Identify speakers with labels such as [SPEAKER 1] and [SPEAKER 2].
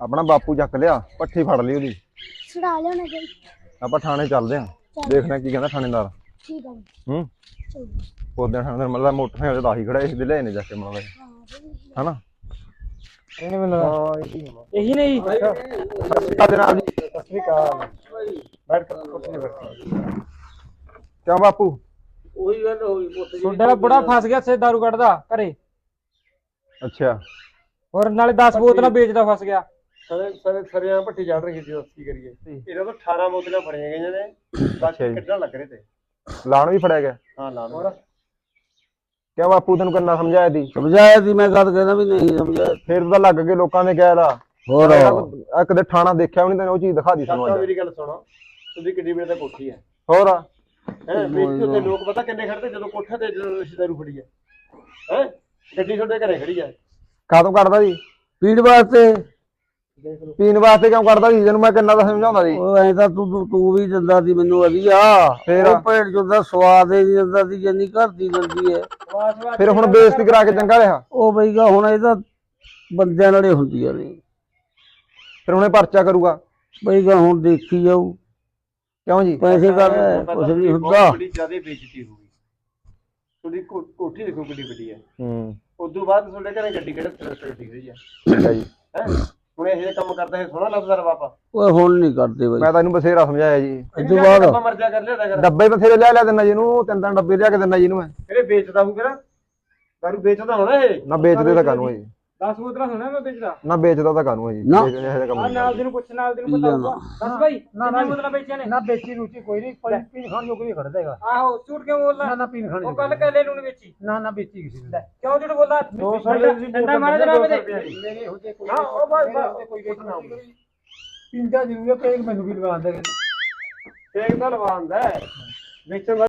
[SPEAKER 1] ਆਪਣਾ ਬਾਪੂ ਚੱਕ ਲਿਆ, ਪੱਠੀ ਫੜ ਲਈ ਉਹਦੀ।
[SPEAKER 2] ਛੁਡਾ ਲਿਆਉਣਾ ਜੀ।
[SPEAKER 1] ਆਪਾਂ ਥਾਣੇ ਚੱਲਦੇ ਆਂ, ਦੇਖਦੇ ਕੀ ਕਹਿੰਦਾ ਥਾਣੇਦਾਰ।
[SPEAKER 2] ਠੀਕ ਆ
[SPEAKER 1] ਹੂੰ
[SPEAKER 2] ਚਲੋ।
[SPEAKER 1] ਉਹਦੇ ਥਾਣੇਦਾਰ ਮਤਲਬ ਮੋਟਰਸਾਈਕਲ ਤੇ ਆਹੀ ਖੜਾ ਇਸ ਦੇ ਲੈ ਨੇ ਜਾ ਕੇ ਮਤਲਬ ਹਨਾ।
[SPEAKER 3] ਇਹਨੇ ਮੈਨੂੰ ਇਹੀ ਨਹੀਂ
[SPEAKER 1] ਜਨਾਬ ਜੀ
[SPEAKER 3] ਸਤਿ ਸ੍ਰੀ ਅਕਾਲ। ਬੈਠ ਕੇ ਕੁਛ ਨਹੀਂ ਬੈਠ।
[SPEAKER 1] ਕਿਉਂ ਬਾਪੂ?
[SPEAKER 4] ਉਹੀ ਗੱਲ ਹੋਈ ਪੁੱਤ ਜੀ।
[SPEAKER 3] ਤੁਹਾਡਾ ਬੁੜਾ ਫਸ ਗਿਆ ਸੇ ਦਾਰੂ ਕੱਢਦਾ ਘਰੇ,
[SPEAKER 1] ਅੱਛਾ
[SPEAKER 3] ਹੋਰ ਨਾਲੇ 10 ਬੋਤਲਾਂ ਵੇਚਦਾ ਫਸ ਗਿਆ।
[SPEAKER 4] ਸਰਿਆਂ ਭੱਠੀ ਚੜ ਰਹੀ ਸੀ, ਕੀ ਕਰੀਏ। ਇਹਨਾਂ ਤੋਂ 18 ਬੋਤਲਾਂ ਫੜੀਆਂ ਗਈਆਂ ਨੇ, ਬਾਕੀ ਕੱਢਣ ਲੱਗ ਰਹੇ ਤੇ
[SPEAKER 1] ਲਾਣ ਵੀ ਫੜਿਆ ਗਿਆ।
[SPEAKER 4] ਹਾਂ ਲਾਣ।
[SPEAKER 1] ਕਿਉਂ ਬਾਪੂ ਤੈਨੂੰ ਕਿੰਨਾ ਸਮਝਾਇਆ ਸੀ?
[SPEAKER 5] ਸਮਝਾਇਆ ਸੀ ਮੈਂ, ਗੱਲ ਕਹਿੰਦਾ ਵੀ ਨਹੀਂ ਸਮਝਾਇਆ।
[SPEAKER 1] ਫੇਰ ਤਾਂ ਲੱਗ ਕੇ ਲੋਕਾਂ ਦੇ ਕਹਿ ਲਾ
[SPEAKER 5] ਹੋਰ
[SPEAKER 1] ਆ ਕਦੇ ਥਾਣਾ ਦੇਖਿਆ ਵੀ ਨਹੀਂ ਤੈਨੂੰ, ਉਹ ਚੀਜ਼ ਦਿਖਾ ਦੀ ਸਾਨੂੰ ਅੱਜ।
[SPEAKER 4] ਮੇਰੀ ਗੱਲ ਸੁਣੋ, ਤੁਸੀਂ ਕਿੱਡੀ ਵੇਲੇ ਦਾ ਕੋਠੀ ਹੈ
[SPEAKER 1] ਹੋਰ
[SPEAKER 4] ਹੈ ਵੇਚੀ ਉੱਤੇ ਲੋਕ ਪਤਾ ਕਿੰਨੇ ਖੜਦੇ ਜਦੋਂ ਕੋਠੇ ਤੇ ਜਦੋਂ ਰਿਸ਼ਤੇਦਾਰੂ ਫੜੀ ਹੈ ਹੈ ਗੱਡੀ ਤੁਹਾਡੇ ਘਰੇ ਖੜੀ ਹੈ।
[SPEAKER 1] ਕਾਹਤੋਂ ਕੱਢਦਾ ਜੀ?
[SPEAKER 5] ਪੀਣ ਵਾਸਤੇ।
[SPEAKER 1] ਪੀਣ ਵਾਸਤੇ ਕਿਉਂ ਕੱਢਦਾ ਸੀ? ਜਿਹਨੂੰ ਮੈਂ ਕਿੰਨਾ ਦਾ ਸਮਝਾਉਂਦਾ ਸੀ।
[SPEAKER 5] ਉਹ ਐਂ ਤਾਂ ਤੂੰ ਵੀ ਦਿੰਦਾ ਸੀ ਮੈਨੂੰ ਵਧੀਆ,
[SPEAKER 1] ਫੇਰ?
[SPEAKER 5] ਉਹ ਭੇਡ ਚੋਂ ਸਵਾਦ ਹੀ ਦਿੰਦਾ ਸੀ ਜਿੰਨੀ ਘਰ ਦੀ ਦਿੰਦੀ ਹੈ।
[SPEAKER 1] ਫਿਰ ਹੁਣ ਬੇਇੱਜ਼ਤੀ ਕਰਾ ਕੇ ਚੰਗਾ ਰਿਹਾ।
[SPEAKER 5] ਉਹ ਬਈਗਾ ਹੁਣ ਇਹ ਤਾਂ ਬੰਦਿਆਂ ਨਾਲੇ ਹੁੰਦੀਆਂ ਨੇ।
[SPEAKER 1] ਫਿਰ ਹੁਣੇ ਪਰਚਾ ਕਰੂਗਾ।
[SPEAKER 5] ਬਈਗਾ ਹੁਣ ਦੇਖੀ ਜਾਊ,
[SPEAKER 1] ਕਿਉਂ ਜੀ?
[SPEAKER 5] ਪੈਸੇ ਕਰ ਕੁਛ ਨਹੀਂ ਹੁੰਦਾ।
[SPEAKER 4] ਬੜੀ ਜ਼ਿਆਦਾ ਬੇਇੱਜ਼ਤੀ ਹੋ ਗਈ ਤੁਹਾਡੀ। ਕੋਠੀ ਦੇਖੋ ਕਿੱਡੀ ਵੱਡੀ ਹੈ।
[SPEAKER 1] ਹੂੰ
[SPEAKER 4] ਉਦੋਂ ਬਾਅਦ ਤੁਹਾਡੇ ਘਰੇ ਗੱਡੀ ਕਿਹੜੇ ਡਿੱਗ ਰਹੀ ਹੈ
[SPEAKER 1] ਠੀਕ ਹੈ ਜੀ।
[SPEAKER 4] ਹੈ ਹੁਣ ਇਹ ਜਿਹੇ ਕੰਮ ਕਰਦਾ ਹੈ, ਸੋਹਣਾ ਲੱਗਦਾ ਰ ਬਾਪਾ।
[SPEAKER 5] ਓਏ ਹੁਣ ਨਹੀਂ ਕਰਦੇ ਬਈ।
[SPEAKER 1] ਮੈਂ ਤੈਨੂੰ ਬਥੇਰਾ ਸਮਝਾਇਆ ਜੀ।
[SPEAKER 5] ਇਸ ਤੋਂ ਬਾਅਦ
[SPEAKER 4] ਆਪਾਂ ਮਰਜ਼ਾ ਕਰ ਲਿਆ ਕਰ
[SPEAKER 1] ਡੱਬੇ ਬਥੇਰੇ ਲਿਆ ਦਿੰਦਾ ਜਿਹਨੂੰ, ਤਿੰਨ ਤਿੰਨ ਡੱਬੇ ਲਿਆ ਕੇ ਦਿੰਦਾ ਜਿਹਨੂੰ ਮੈਂ।
[SPEAKER 4] ਇਹਨੇ ਵੇਚਦਾ ਹੂੰ ਕਿਹੜਾ ਦਾਰੂ ਵੇਚਦਾ ਹੋਣਾ ਇਹ।
[SPEAKER 1] ਨਾ ਵੇਚਦੇ ਤਾਂ ਕਾਨੂੰ ਹੈ ਜੀ,
[SPEAKER 3] 10 ਬੋਤਲਾਂ ਸੁਣਿਆ ਮੈਂ ਵੇਚਦਾ।
[SPEAKER 1] ਨਾ ਵੇਚਦਾ ਤਾਂ ਕਾਨੂੰ ਹੈ ਜੀ।
[SPEAKER 5] ਨਾ।
[SPEAKER 1] ਇਹੋ ਜਿਹਾ ਕੰਮ
[SPEAKER 3] ਆ
[SPEAKER 1] ਨਹੀਂ
[SPEAKER 3] ਨਾਲ ਦੀ ਨੂੰ ਪੁੱਛ, ਨਾਲ ਦੀ ਨੂੰ ਪਤਾ ਹੋਊਗਾ। ਦੱਸ ਭਾਈ ਕਿੰਨੀਆਂ ਬੋਤਲਾਂ ਵੇਚੀਆਂ ਨੇ?
[SPEAKER 6] ਨਾ ਵੇਚੀ ਰੂਚੀ ਕੋਈ ਨਹੀਂ, ਪੀਣ ਖਾਣ ਜੋ ਕੋਈ ਖੜਦਾ ਹੈਗਾ।
[SPEAKER 3] ਆਹੋ ਝੂਠ ਕਿਉਂ ਬੋਲਦਾ?
[SPEAKER 6] ਨਾ ਨਾ ਪੀਣ ਖਾਣ
[SPEAKER 3] ਉਹ ਕੱਲ ਕਹਿ ਲੈ ਨੂੰ ਵੇਚੀ।
[SPEAKER 6] ਨਾ ਵੇਚੀ ਕਿਸੇ ਨੇ।
[SPEAKER 3] ਕਿਉਂ ਝੂਠ ਬੋਲਦਾ? ਠੰਡਾ ਮਾਰੇ ਜਨਾਬ ਦੇ।
[SPEAKER 6] ਮੇਰੇ ਹੋ ਜੇ ਕੋਈ
[SPEAKER 4] ਹਾਂ, ਉਹ ਬਸ
[SPEAKER 6] ਕੋਈ ਵੇਚਣਾ ਪੀਂਦਾ ਜ਼ਰੂਰ ਹੈ, ਪੇਗ ਮੈਨੂੰ ਵੀ ਲਵਾਉਂਦਾ।
[SPEAKER 4] ਤੇਗ ਤਾਂ ਲਵਾਉਂਦਾ ਵੇਚਣ